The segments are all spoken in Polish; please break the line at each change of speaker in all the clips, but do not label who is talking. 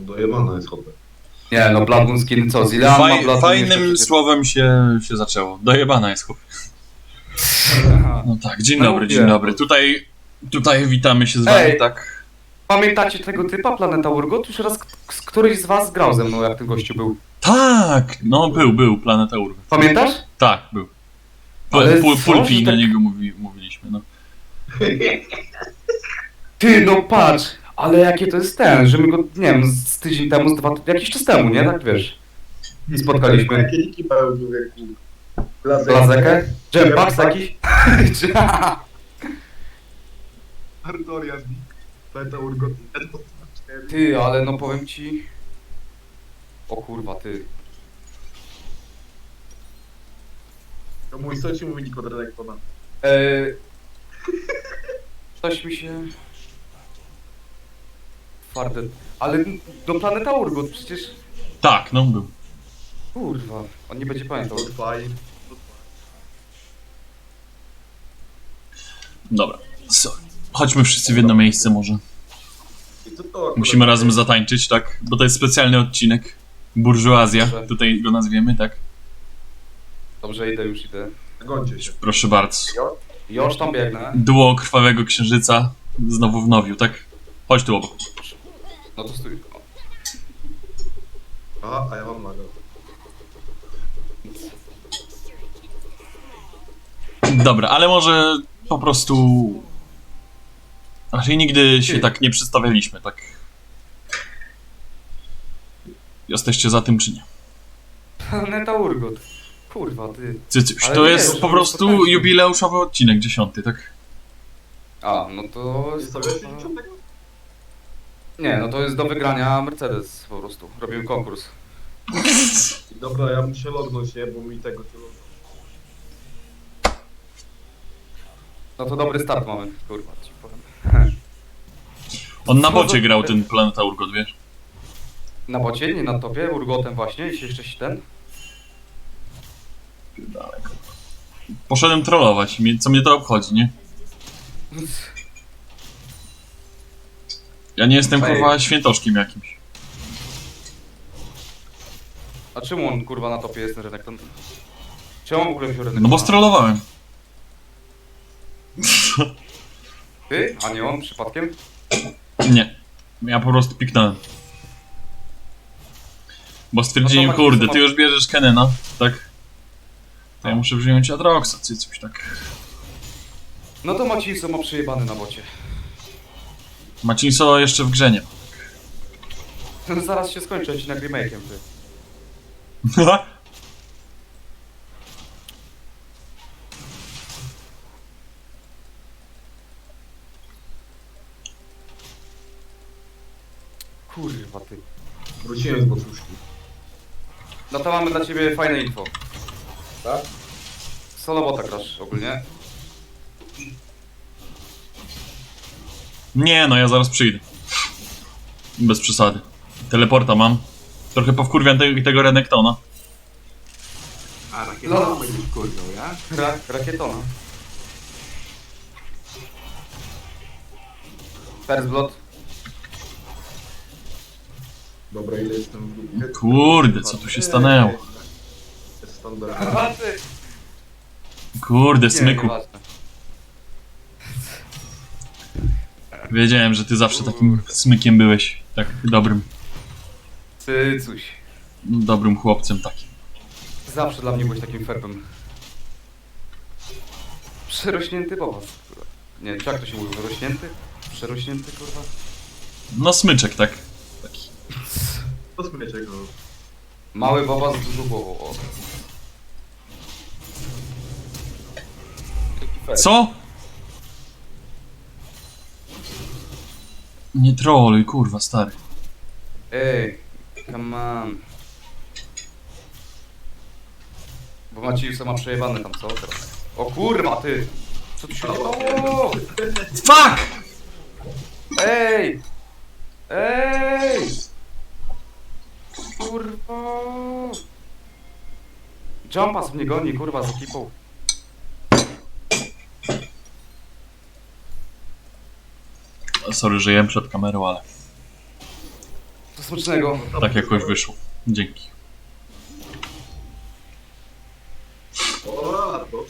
Dojebana jest chłopie.
Nie, no Bloodmoon skin co? Zilean ma Bloodmoon
Fajnym słowem się zaczęło. Dojebana jest chłop. No tak, dzień dobry, dzień dobry. Tutaj witamy się z wami, tak?
Pamiętacie tego typa, Planeta Urgot? Już raz któryś z was grał ze mną, jak ten gościu był.
Tak! No był, Planeta Urgot.
Pamiętasz?
Tak, był.
Ale
Pulpi na
tak...
niego mówiliśmy, no.
Ty, no patrz! Ale jakie to jest ten, że my go, nie wiem, z tydzień temu, jakiś czas temu, nie? Tak wiesz. Spotkaliśmy.
Jakie niki pełnił, jak
Blazekę? Jetpacks jakiś?
Artoria z Planeta Urgot.
Ty, ale no powiem ci... O kurwa, ty.
To mój co ci mówi Niko Drenektona?
Coś mi się... Twarde... Ale do Planeta Urgot przecież...
Tak, no był.
Kurwa, on nie będzie pamiętał.
Fajnie.
Dobra. Chodźmy wszyscy w jedno miejsce może. Musimy razem zatańczyć, tak? Bo to jest specjalny odcinek. Burżuazja,
Dobrze.
tutaj go nazwiemy, tak?
Dobrze, już idę.
Gońcie się.
Proszę bardzo.
Już tam biegnę.
Duo Krwawego Księżyca znowu w Nowiu, tak? Chodź tu obok.
No to stój.
Aha, a ja mam maga.
Dobra, ale może po prostu... Raczej nigdy się tak nie przedstawialiśmy, tak? Jesteście za tym czy nie?
Planeta Urgot. Kurwa, ty.
Cycuś,
Ale
to
nie,
jest
już
po prostu
spotkaliśmy.
jubileuszowy odcinek, 10, tak?
A, no to...
Nie stawiasz się niczego?
Nie, no to jest do wygrania Mercedes po prostu. Robimy konkurs.
Dobra, ja muszę lognąć, nie? Bo mi tego się lognąć.
No to dobry start mamy, kurwa, ci powiem.
On na bocie grał ten Planeta Urgot, wiesz?
Na bocie, nie na topie, Urgotem właśnie, i jeszcze ten.
Daleko. Poszedłem trollować, co mnie to obchodzi, nie? Ja nie jestem kurwa świętoszkiem jakimś.
A czemu on kurwa na topie jest ten rynek? Czemu w ogóle wziął rynek?
No bo strollowałem.
Ty? A nie on przypadkiem?
Nie. Ja po prostu piknąłem. Bo stwierdziłem,
No to
kurde,
Maciej,
ty już bierzesz Kenena, tak? To ja muszę wziąć Adroxa, czy coś tak.
No to Maciej ma przejebany na bocie.
Macinso jeszcze w grze nie.
Zaraz się skończy odcinek remake'iem, ty. Kurwa, ty.
Wróciłem z boczuszki.
No to mamy dla ciebie fajne info.
Tak?
Solo bota grasz ogólnie.
Nie, no ja zaraz przyjdę. Bez przesady. Teleporta mam. Trochę powkurwiam tego Renektona.
A, rakieta
No.
będziesz kurwiał, ja?
Rakietona. First Blood.
Dobra, ile jestem w dupie?
Kurde, co tu się stanęło?
Jest standard.
Kurde, smyku.
nieważne.
Wiedziałem, że ty zawsze takim smykiem byłeś. Tak dobrym.
Ty coś.
Dobrym chłopcem takim.
Zawsze dla mnie byłeś takim ferbem. Przerośnięty bobas. Nie, czy jak to się mówi? Wyrośnięty? Przerośnięty, kurwa?
No smyczek, tak? Taki.
To smyczek, no.
Mały bobas z dużą głową. O. Taki fer.
Co? Nie troluj, kurwa, stary.
Ej, come on. Bo Maciej ma przejebane tam, co teraz? O kurwa, ty! Co tu się dzieje?
Fuck!
Ej! Ej! Kurwa! Jumpas mnie goni, kurwa, z ekipą.
Sorry, że jem przed kamerą, ale...
Smacznego.
Tak jakoś wyszło. Dzięki.
O, to.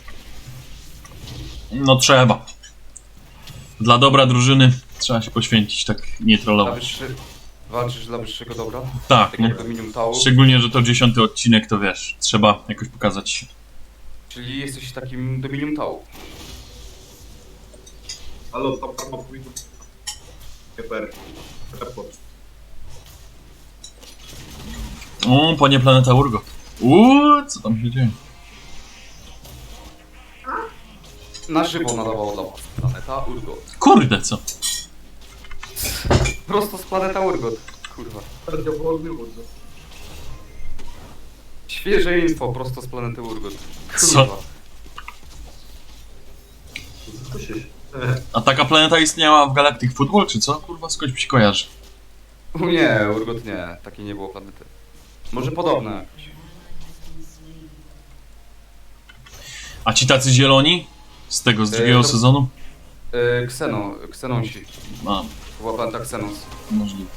No trzeba. Dla dobra drużyny trzeba się poświęcić, tak nie
Dla
trollować.
walczysz dla wyższego dobra?
Tak,
Tak
no.
jak Dominium Tau.
Szczególnie, że to 10. odcinek, to wiesz, trzeba jakoś pokazać się.
Czyli jesteś takim Dominium Tau.
Ale tam ma powinno... Keper. Report.
O, panie Planeta Urgot. Co tam się dzieje?
Na żywo nadawało dla was Planeta Urgot.
Kurde, co?
Prosto z Planeta Urgot. Kurwa.
Bardzo wolny urgot.
Świeże info prosto z Planety Urgot.
Co?
Kurwa.
Co się...
A taka planeta istniała w Galactic Football, czy co? Kurwa, skądś mi się kojarzy.
Nie, Urgot nie. Takiej nie było planety. Może podobne.
A ci tacy zieloni? Z tego, z drugiego
to-
sezonu?
Ksenonsi.
A,
Była planeta Ksenos.
możliwe.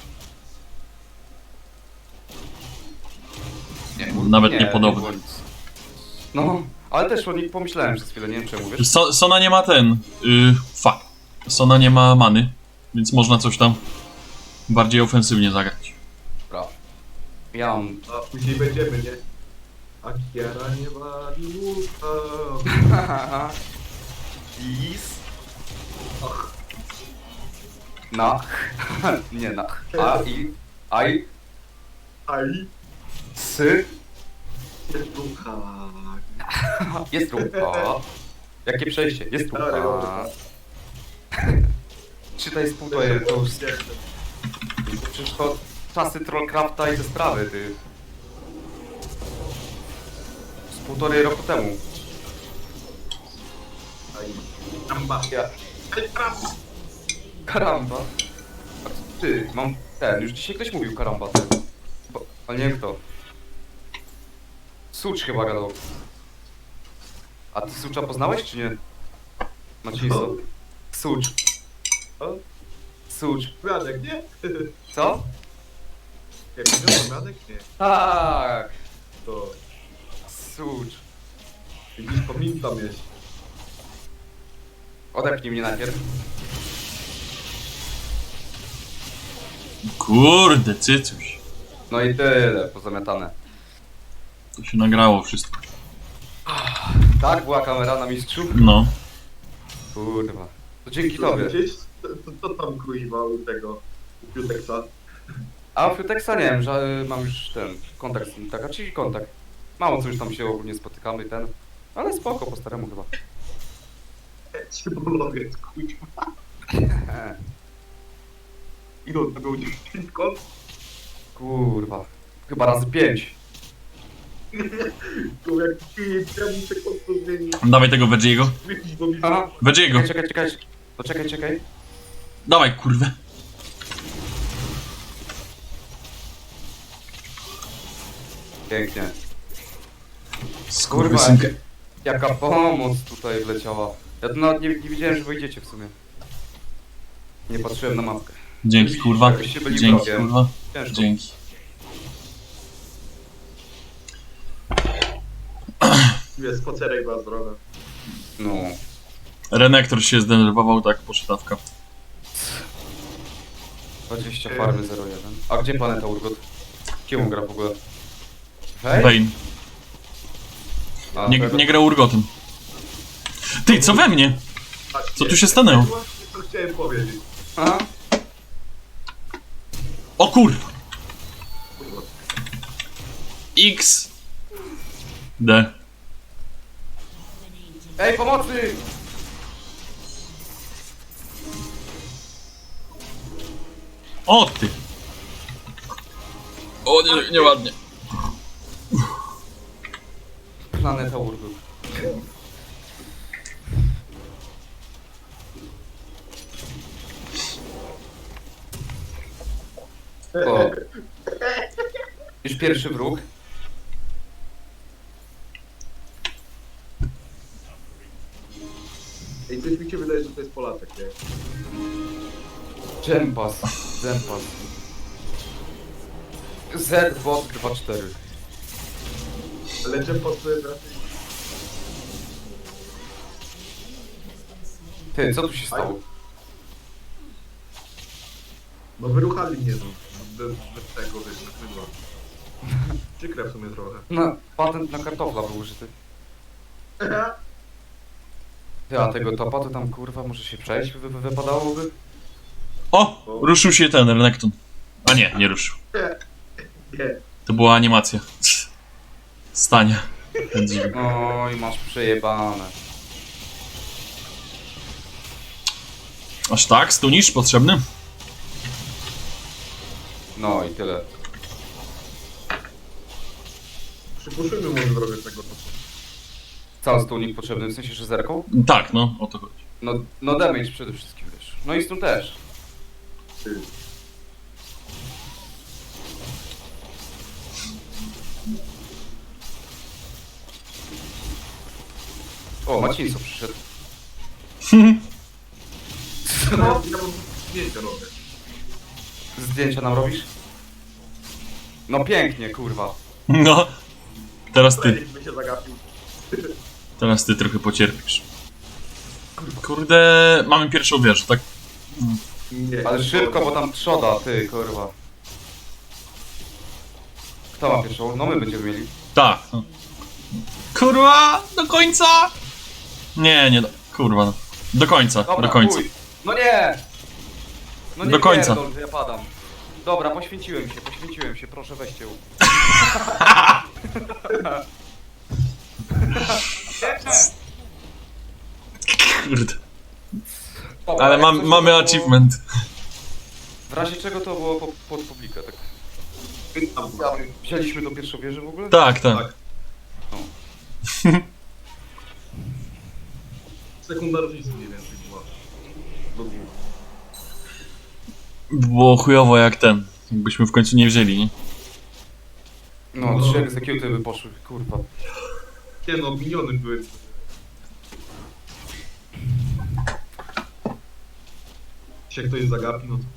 Nawet nie podobne.
było nic. No, ale też o nich pomyślałem przez chwilę, nie wiem czemu, wiesz?
Sona nie ma ten... fuck. Sona nie ma many, więc można coś tam bardziej ofensywnie zagrać.
Dobra. Ja mam...
A później będziemy, nie? Akiara nie wali łuka.
Is. Nach. Nie nach. A, i. Aj.
Aj,
Sy.
jest ducha.
Jest rucha. Jakie przejście? Jest rucha. Czytaj z półtorej, to już... Przecież to czasy Trollcrafta i te sprawy, ty. Z półtorej roku temu.
Aj, amba.
Ja.
Aj, traf.
Karamba. A ty, mam ten, już dzisiaj ktoś mówił karamba, ty. Ale nie wiem kto. Sucz chyba gadał. A ty Sucza poznałeś czy nie? Maciejso. Sucz.
O,
Sucz.
Mianek, nie?
Co?
Jak wiadomo, Mianek, nie.
Tak.
To
Sucz.
widzisz, pamiętam jest.
Odepnij mnie najpierw.
Kurde, cycuś.
No i tyle, pozamiatane.
To się nagrało wszystko.
Tak, była kamera na mistrzu?
No.
Kurwa. To dzięki tobie.
Gdzieś, co tam kuźwa u tego, u Piuteksa?
A w Texa nie wiem, że mam już ten kontakt z nim, taka, czyli kontakt. Mało co już tam się ogólnie spotykamy, ten. Ale spoko, po staremu chyba.
Cybolowiec, kuźwa. Ile to był dziewczynką?
Kurwa. Chyba razy 5.
To jak ja muszę konto zmienić.
Dawaj tego Veggie'ego.
Jakiś bo mi...
Aha.
Veggie'ego.
Czekaj. Poczekaj, czekaj.
Dawaj, kurwę.
Pięknie.
Skurwysynkę.
Jaka pomoc tutaj wleciała. Ja tu nawet nie widziałem, że wyjdziecie w sumie. Nie patrzyłem na mapkę.
Dzięki, kurwa.
Jakbyście byli
Dzięki,
wrogiem.
kurwa.
Ciężko.
Dzięki.
Jest spacerek była zdrowa.
No.
Renektor się zdenerwował, tak, posztawka.
20 farmy 01. A gdzie planeta Urgot? Kim on gra w ogóle? Hej?
Vayne.
A,
Nie,
to-
nie grał urgotem. Ty, co we mnie? Co tu się stanęło?
Właśnie to chciałem powiedzieć.
Aha.
O kurwa.
Kurwa.
X. D.
Ej, pomocy!
O ty. O nie, nieładnie.
Planeta Urgot. O. Już pierwszy wróg.
Ej, coś mi się wydaje, że to jest Polaczek, nie?
Dżempas. Dżempas. Z bot 2-4.
Leczę pod sobie raczej.
Ty, co tu się stało?
No wyruchali mnie, no. Bez tego, wiesz, bez mydła. Przykre w sumie trochę.
No, patent na kartofla był użyty. Ty, a tego topa to tam kurwa może się przejść wypadałoby?
O! Ruszył się ten Renekton. A nie, nie ruszył.
Nie.
To była animacja. Stania.
Oj, masz przejebane.
Aż tak? Stunisz potrzebny?
No i tyle.
Przypuszczmy może drogę tego topu.
Cały stołnik potrzebny, w sensie, że zerką?
Tak, no, o to chodzi.
No damage przede wszystkim, wiesz. No i stun też.
Ty.
O, Macińco przyszedł.
No, ja mam zdjęcia robię.
Zdjęcia nam robisz? No pięknie, kurwa.
No. Teraz ty.
By się zagapił.
Teraz ty trochę pocierpisz. Kurde, mamy pierwszą wieżę, tak?
Nie.
Ale szybko, bo tam trzoda, ty, kurwa. Kto ma pierwszą? No my będziemy mieli.
Tak. No. Kurwa, do końca! Nie, nie, kurwa, no. Do końca,
Dobra,
do końca.
chuj. No nie! No nie
Do końca.
pierdol, że ja padam. Dobra, poświęciłem się, proszę weźcie ją.
Kurde.
Dobra,
Ale
jak coś, to
mamy
było-
achievement.
W razie czego to było pod publikę, tak?
Tam,
Wzięliśmy do pierwszej wieży w ogóle?
Tak, tak.
Tak. Sekunda różnicy mniej więcej była.
Było chujowo jak ten. Jakbyśmy w końcu nie wzięli, nie?
No, 3 executy by poszły, kurwa.
Nie no, miniony były. Jeśli jak ktoś zagapi, no to...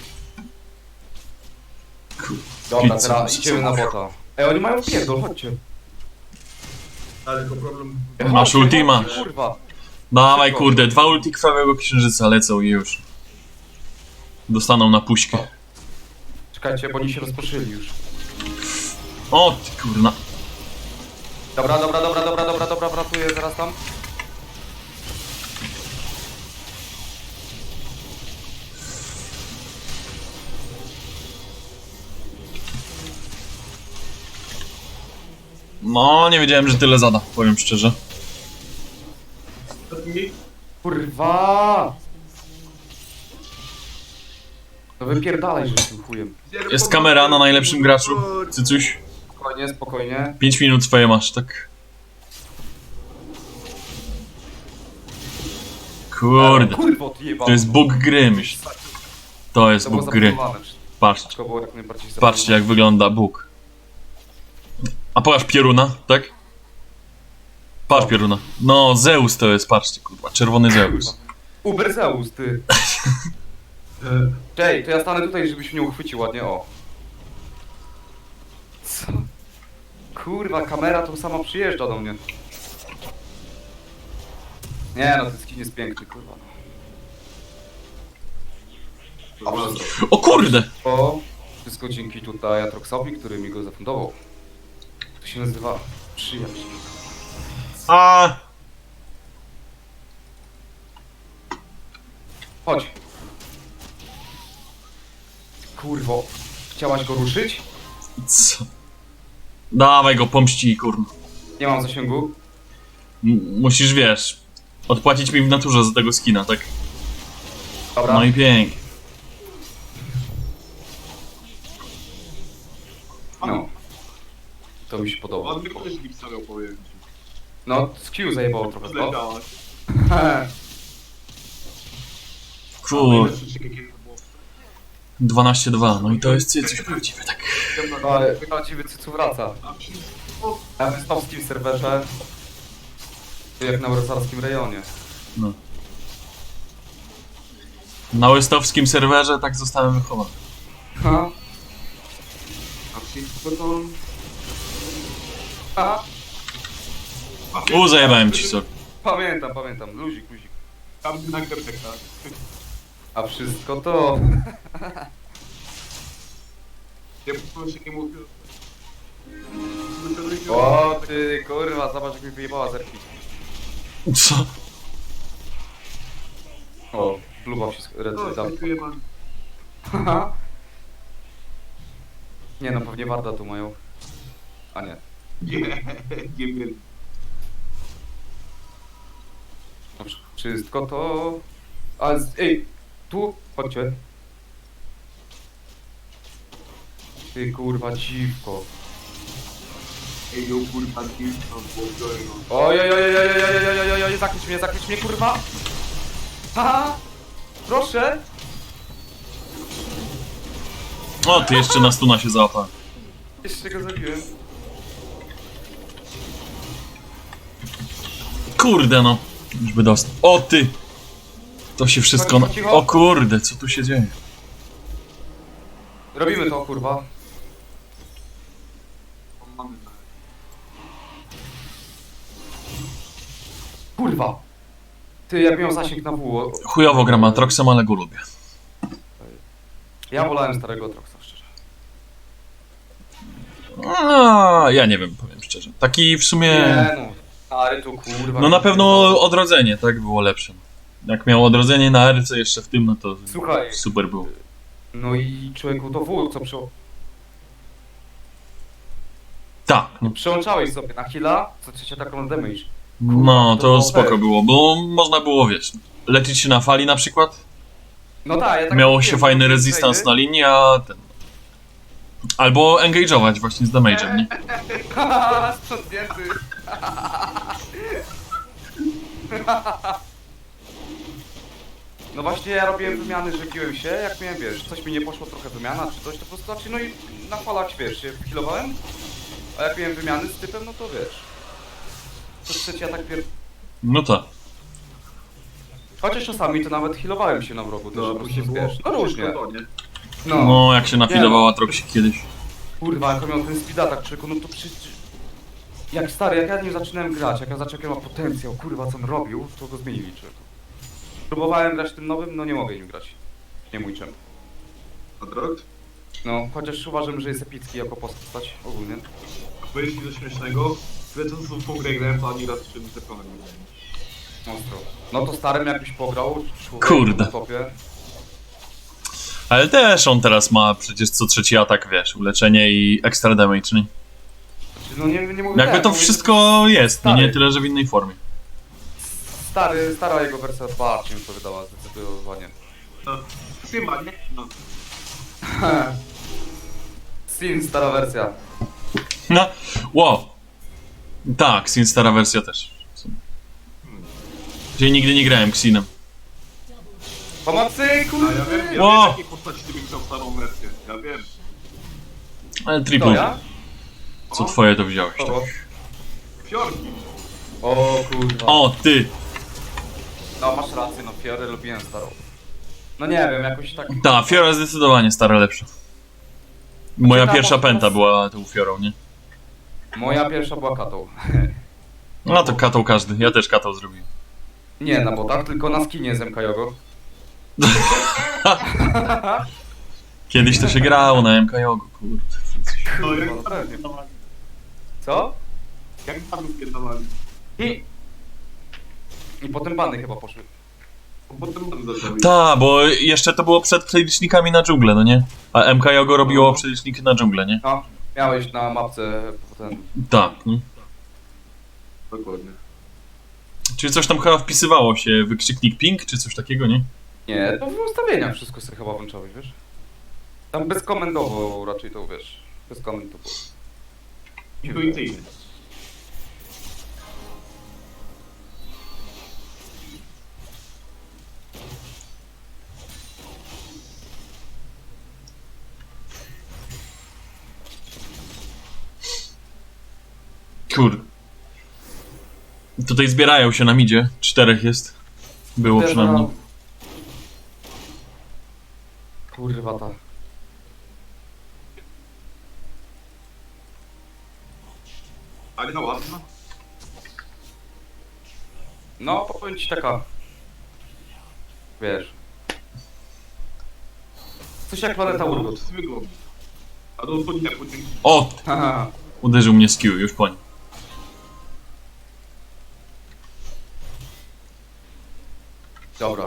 Dobra,
Pizza.
teraz idziemy na bota. Ej, oni mają pierdol, chodźcie.
Ale tylko problem...
Masz
Chodźcie,
ultima.
chodźcie, kurwa.
Dawaj,
Szybko.
kurde, 2 ulti krwawego księżyca lecą i już. Dostaną na puśkę.
Czekajcie, bo oni się rozproszyli już.
O, ty kurna.
Dobra, wratuję zaraz tam.
No, nie wiedziałem, że tyle zada, powiem szczerze.
Kurwa! No wypierdalaj, że z tym chujem.
Jest kamera na najlepszym graczu. Cycuś,
Spokojnie, spokojnie.
5 minut swoje masz, tak? Kurde,
Kurwa, odjebał.
to jest bóg gry, myśl. To jest
To było
bóg gry.
zaplanowane.
Patrzcie,
To było jak najbardziej
patrzcie jak wygląda Bóg. A pokaż pioruna, tak? Patrz pioruna. No, Zeus to jest, patrzcie, kurwa, czerwony Zeus.
Uber Zeus, ty. Czej, to ja stanę tutaj, żebyś mnie uchwycił ładnie, o. Co? Kurwa, kamera tu sama przyjeżdża do mnie. Nie no, ten skin jest piękny, kurwa. Dobrze.
O kurde!
O, wszystko dzięki tutaj Atroxowi, który mi go zafundował. To się nazywa przyjaźń.
A,
Chodź. Kurwo, chciałaś go ruszyć?
co? Dawaj go, pomści, kurwa.
Nie mam zasięgu.
Musisz, wiesz, odpłacić mi w naturze za tego skina, tak?
Dobra.
No i pięknie.
No. To mi się podoba.
Ładny ktoś mi stawiał powiedzieć.
No, z Q zajebało trochę, to.
Zleciałaś.
Kur... 12-2, no i to jest coś prawdziwe, tak.
Ale prawdziwy cycu wraca. Na wystawskim serwerze. Jak na wrocławskim rejonie.
No. Na łystowskim serwerze tak zostałem wychowany.
Ha?
A wszystko to...
Aha,
Zajebałem ci, sorry.
pamiętam. Luzik.
Tam na karteka.
A wszystko to...
Ja po prostu nie mówię.
O ty kurwa, zobacz jak mi wyjebała zerki.
Co?
O, bluba się red
No,
dam.
dziękuję man.
Nie no, pewnie Warda tu mają. A nie.
Nie wiem.
No, wszystko to... A, ej, tu, chodźcie. Ty kurwa dziwko.
Ej, yo, kurwa, dziwko, błogosławię.
Oj, zakryć mnie, kurwa! Haha! Proszę!
O, ty jeszcze na stuna się załapałem.
Jeszcze go zabiłem.
Kurde no. Już by dostał. O ty! To się wszystko na... O kurde, co tu się dzieje?
Robimy to, kurwa.
Mamy na...
Kurwa! Ty, jak miał zasięg na W.
Chujowo gram Atroxem, ale go lubię.
Ja wolałem starego Troxa, szczerze.
Ja nie wiem, powiem szczerze. Taki w sumie...
Nie no, stary tu kurwa.
No na pewno odrodzenie, tak? Było lepsze. Jak miał odrodzenie na RC jeszcze w tym, no to
Słuchaj.
super było.
No i człowieku to W, co
Tak, no.
przełączałeś sobie na heal'a, co trzecia taką damage.
No,
to
to
było
spoko
fair.
było, bo można było, wiesz, lecieć się na fali na przykład.
No tak, ja tak
Miało
robiłem,
się fajny
robiłem
resistance
trade'y.
na linii, a ten... Albo engage'ować właśnie z damage'em, nie?
Haha, sprzątnięty. No właśnie ja robiłem wymiany, że biłem się, jak miałem, wiesz, coś mi nie poszło, trochę wymiana czy coś, to po prostu, znaczy, no i na falach, wiesz, się healowałem, a jak miałem wymiany z typem, no to wiesz. To trzeci atak
No tak.
Chociaż czasami to nawet healowałem się na wrogu, też
No,
po prostu,
później było...
wiesz, no różnie.
To, nie?
No,
No, jak się nafidował Atroxie kiedyś.
kurwa, jak miał ten speed attack, człowieku, no to przecież... Jak stary, jak ja nie zaczynałem grać, jak ja zacząłem, jaki ma potencjał, kurwa, co on robił, to go zmienili, człowieku. Próbowałem grać tym nowym, no nie mogę nim grać. Nie mój czem.
Adrox?
No, chociaż uważam, że jest epicki jako postać ogólnie.
Powiedz mi coś śmiesznego. Wiedząc, co w tą grę grałem, to ani raz czym telefonem nie grałem.
Ostro. No to starym jakbyś pograł, człowiek
Kurde.
na topie.
Ale też on teraz ma przecież co trzeci atak, wiesz, uleczenie i extra damage, nie?
Znaczy, no nie mówię
Jakby
tak,
to
mówię,
wszystko jest, no nie
Stary.
tyle, że w innej formie.
Stara jego wersja bardziej mi to wydała, zdecydowanie.
No, chyba, nie? No.
Sin, stara wersja.
No, wow. Tak, Xin stara wersja też. Gdzie nigdy nie grałem Xinem.
Pomocy,
A ja
kurwa!
wiem,
Wow.
jakiej postaci ty byś chciał starą wersję. Ja wiem.
Ale
To
triple,
ja?
co twoje to wziąłeś. Tak.
Kogo?
Fiorki.
O kurwa.
O, ty!
No masz rację, no Fiorę lubiłem starą. No nie wiem, jakoś tak...
Ta, Fiora zdecydowanie stara lepsza. Moja
Znaczy, ta
pierwsza
mocno-
pęta była tą Fiorą, nie?
Moja pierwsza była katą.
No to katał każdy, ja też katał zrobiłem.
Nie na botach, tylko na skinie z MK Jogo.
Kiedyś to się grało na MK Jogu, kurde.
No, jak
Kurwa,
tam
pewnie.
pierdolali.
Co?
Jak tam pierdolali.
I potem bany chyba poszły.
Bo potem tam zaczęli.
Ta, bo jeszcze to było przed przelicznikami na dżunglę, no nie? A MK Jogo robiło przeliczniki na dżunglę, nie?
No, miałeś na mapce potem...
Tak. No.
Dokładnie.
Czyli coś tam chyba wpisywało się, wykrzyknik ping, czy coś takiego, nie?
Nie, to w ustawieniach wszystko sobie chyba włączałeś, wiesz? Tam bezkomentowo raczej to, wiesz, bez komentu było.
Intuicyjnie.
Kur. Tutaj zbierają się na midzie, 4 jest. Było przynajmniej.
Kurwa ta.
Ale no ładna.
No, powiem ci taka... Wiesz... Coś jak planeta Urgot.
Wygląda. A do podnia podnięci.
O!
Haha.
Uderzył mnie z Q, już po nim.
Dobra.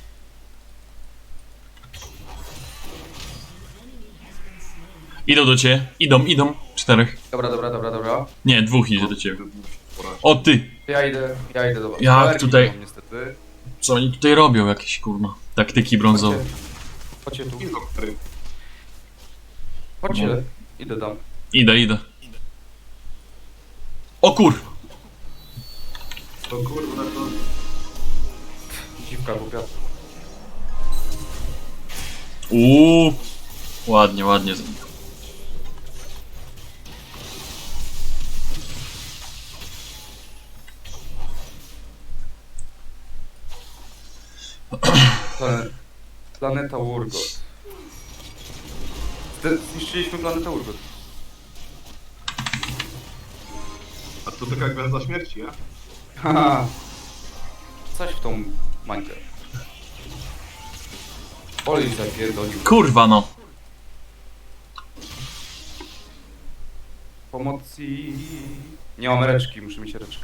Idą do ciebie. Idą. 4.
Dobra.
Nie, 2 idzie do ciebie. O ty!
Ja idę do was.
Jak
Alergii
tutaj-
nie mam, niestety.
Co oni tutaj robią? Jakieś kurwa taktyki brązowe.
Chodźcie tu.
I doktory.
Chodźcie. Idę tam.
Idę. O kur!
To kurwa, to...
Dziwka głupia.
Ładnie.
Planeta Urgot. Zniszczyliśmy planetę Urgot.
A to taka gwiazda śmierci, ja?
Haha. Coś w tą mańkę. Olej zapierdolił.
Kurwa no.
Pomocy. Nie mam reczki, muszę mieć reczkę.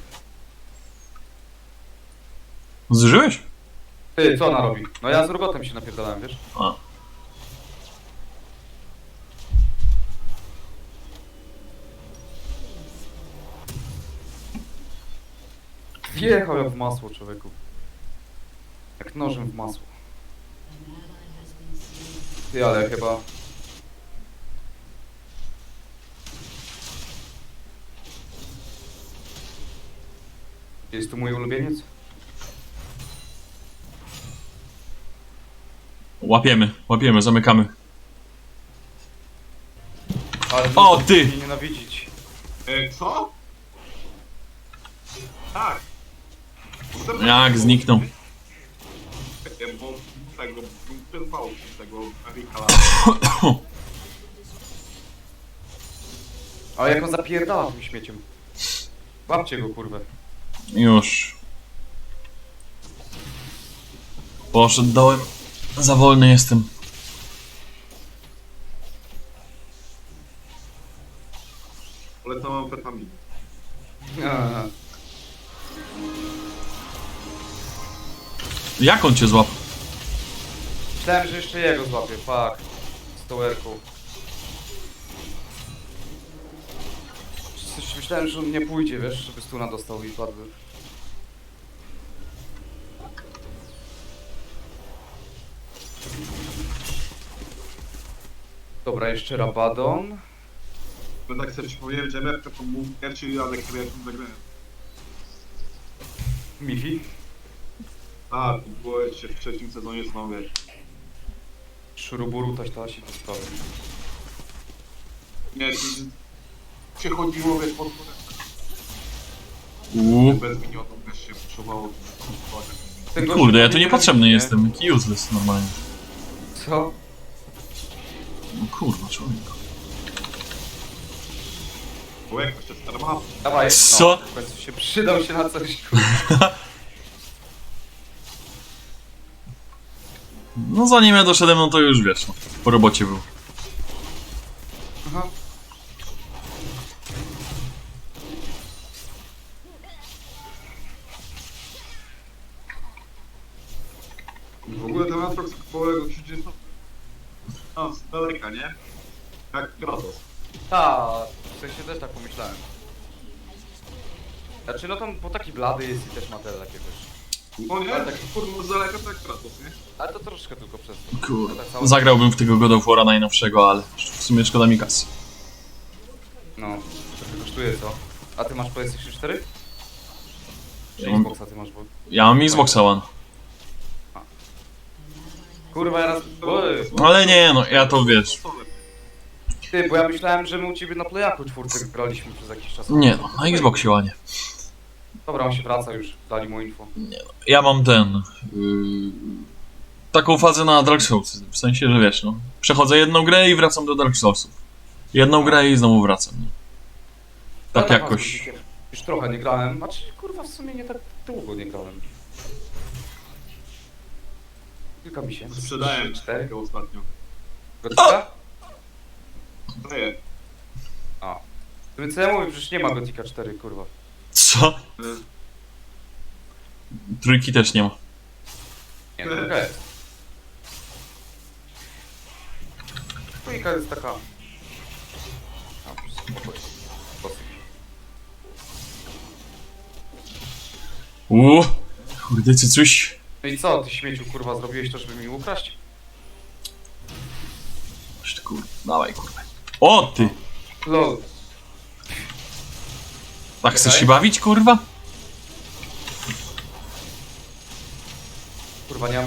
Zużyłeś?
Ty, co ona robi? No ja z Urgotem się napierdalałem, wiesz?
A.
Wjechał jak w masło, człowieku. Jak nożem w masło. Ty, ale chyba... Jest tu mój ulubieniec?
Łapiemy, zamykamy.
Ale
O, ty!
mnie nienawidzić.
Co? Tak.
Jak zniknął.
Bo tego, przerwał tego Erika.
Ale jak on zapierdala tym śmieciem. Łapcie go, kurwę.
Już. Poszedł dołem. Za wolny jestem.
Ale to mam amfetaminę.
Aha.
Jak on cię złapał?
Myślałem, że jeszcze jego złapię, fuck. Z towerką. Myślałem, że on nie pójdzie, wiesz, żeby stuna dostał i padły. Dobra, jeszcze Rabadon.
Bo tak sobie ci powiedziałem, że MFK to był pierwszy radek, który ja tu zagrałem.
Mifi.
A, to było jeszcze w trzecim sezonie znowu.
Szuruburu, taś i te sprawy.
Nie, to przechodziło, wiesz, pod górę. Bez minionów też się puszowało.
Ten gość
Kurde, ja
chyba
tu
nie
niepotrzebny
kręci, nie?
jestem. Jaki useless normalnie.
Co?
No kurwa, człowieku.
Bo jak jeszcze starma.
Dawaj,
Co?
No, w końcu się przydał się na coś, kurwa.
No zanim ja doszedłem, no to już wiesz, no. Po robocie był.
Aha.
W ogóle ten Atrox połowego krzyczy to... No, z daleka, nie? Jak Kratos.
Ta, w sensie też tak pomyślałem. Znaczy no tam, bo taki blady jest i też ma te takie, wiesz.
No nie,
Ale
tak
tak-
kurwa z daleka to jak Kratos, nie?
Ale to troszkę tylko przez to.
Kurde.
Tak samo-
Zagrałbym w tego God of War'a najnowszego, ale w sumie szkoda mi kasy.
No, trochę kosztuje, co? A ty masz PlayStation 4? Czy
Ja mam-
Xboxa ty masz, bo...
Ja mam Xboxa One.
Kurwa, ja raz... Oj,
Ale nie, no ja to wiesz.
ty, bo ja myślałem, że my u ciebie na Playaku czwórkę graliśmy przez jakiś czas.
Nie no, na Xboxie One.
Dobra, on się wraca już, dali mu info.
Ja mam ten... taką fazę na Dark Souls. W sensie, że wiesz, no. Przechodzę jedną grę i wracam do Dark Soulsów. Jedną grę i znowu wracam. Nie? Tak
Ja
jakoś.
z Guzikiem już trochę nie grałem, znaczy kurwa w sumie nie tak długo nie grałem. Kilka miesięcy.
Sprzedałem
4.
tego ostatnio.
Gotika?
Daję.
A. Co ja mówię, przecież nie ma Gotika 4, kurwa.
Co? Trójki też nie ma.
Nie, to jest. Trójka jest taka... A, spokojnie. Dosyć.
Kurde, coś.
No i co, ty śmieciu, kurwa, zrobiłeś to, żeby mi ukraść?
Coś ty, kurwa, dawaj, kurwa. O, ty!
Lol.
Tak chcesz
Czekaj.
się bawić, kurwa?
Kurwa, nie mam...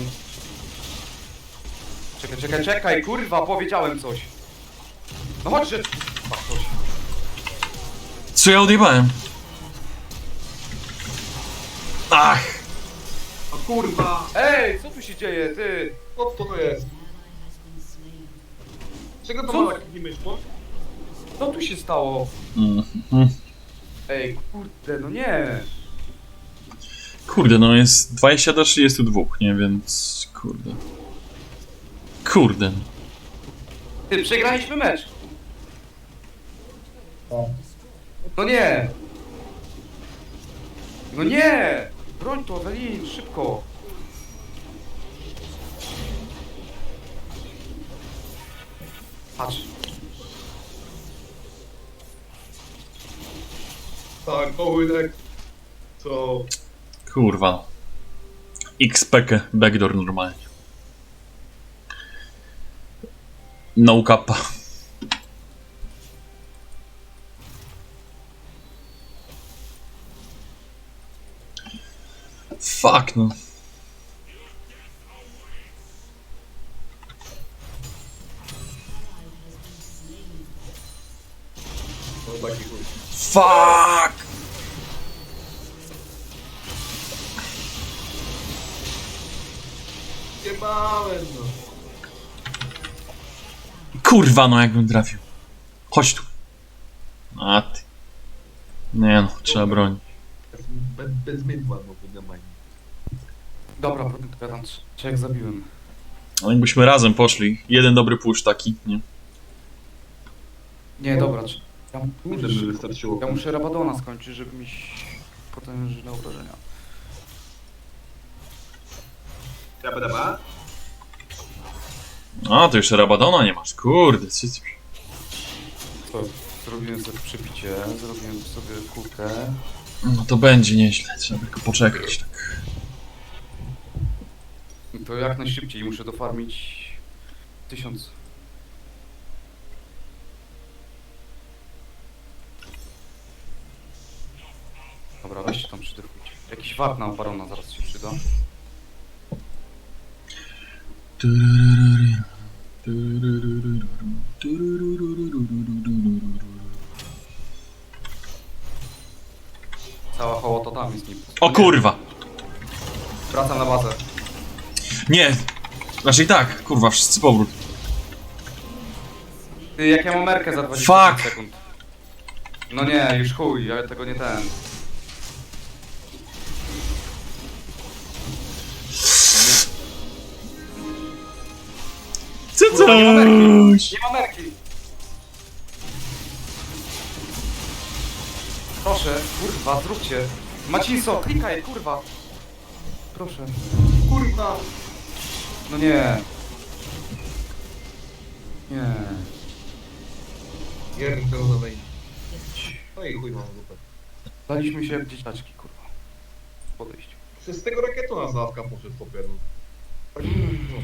Czekaj, kurwa, powiedziałem coś. No chodź, że... Kurwa, coś.
Co ja odjebałem? Ach!
O kurwa!
Ej, co tu się dzieje, ty?
Co to jest? Czego to
Co?
ma taki myśl?
Co tu się stało?
Mhm.
Ej, kurde, no nie.
Kurde, no jest 20 do 32, nie? Więc... Kurde. Kurde.
Ty, przegraliśmy mecz. No nie. No nie. Broń to, Ewelin, szybko. Patrz.
Tak, połynek. Co?
Kurwa. XPK backdoor normalnie. No kappa. Fuck no.
To taki chuj.
Fuck!
Jebałem no.
Kurwa no jakbym trafił. Chodź tu. A ty. Nie no, trzeba bronić.
Bez mydła, no wydamaj.
Dobra, gadam, czy jak zabiłem.
No jakbyśmy razem poszli. Jeden dobry push taki, nie?
Nie, dobra, ja,
Kurde, by wystarczyło.
ja muszę Rabadona skończyć, żeby mieć potężne obrażenia.
Rabadaba?
A, to jeszcze Rabadona nie masz. Kurde, co ty...
Co? Zrobiłem sobie przebicie, zrobiłem sobie kulkę.
No to będzie nieźle, trzeba tylko poczekać, tak.
To jak najszybciej muszę dofarmić 1000. Dobra, weźcie tam przydrukujcie. Jakiś wart na barona zaraz się przyda. Cała hołota tam jest nim.
O kurwa!
Wracam na bazę.
Nie! Znaczy i tak, kurwa, wszyscy powrót.
Ty, jak ja mam merkę za 20
Fuck!
sekund. No nie, już chuj, ja tego nie ten.
Co
Kurwa, nie ma merki.
coś?
Nie ma merki! Proszę, kurwa, zróbcie. Maciso, klikaj, kurwa. Proszę.
Kurwa!
No nie. Nie.
Pierdolowej. No i chuj mam dupę.
Daliśmy się jak dzieciaczki, kurwa. Podejść.
Przez tego rakietu na zawka poszedł chłopie, no. Tak, no,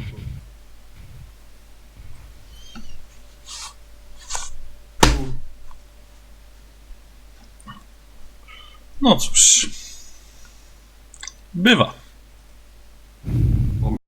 No cóż. Bywa.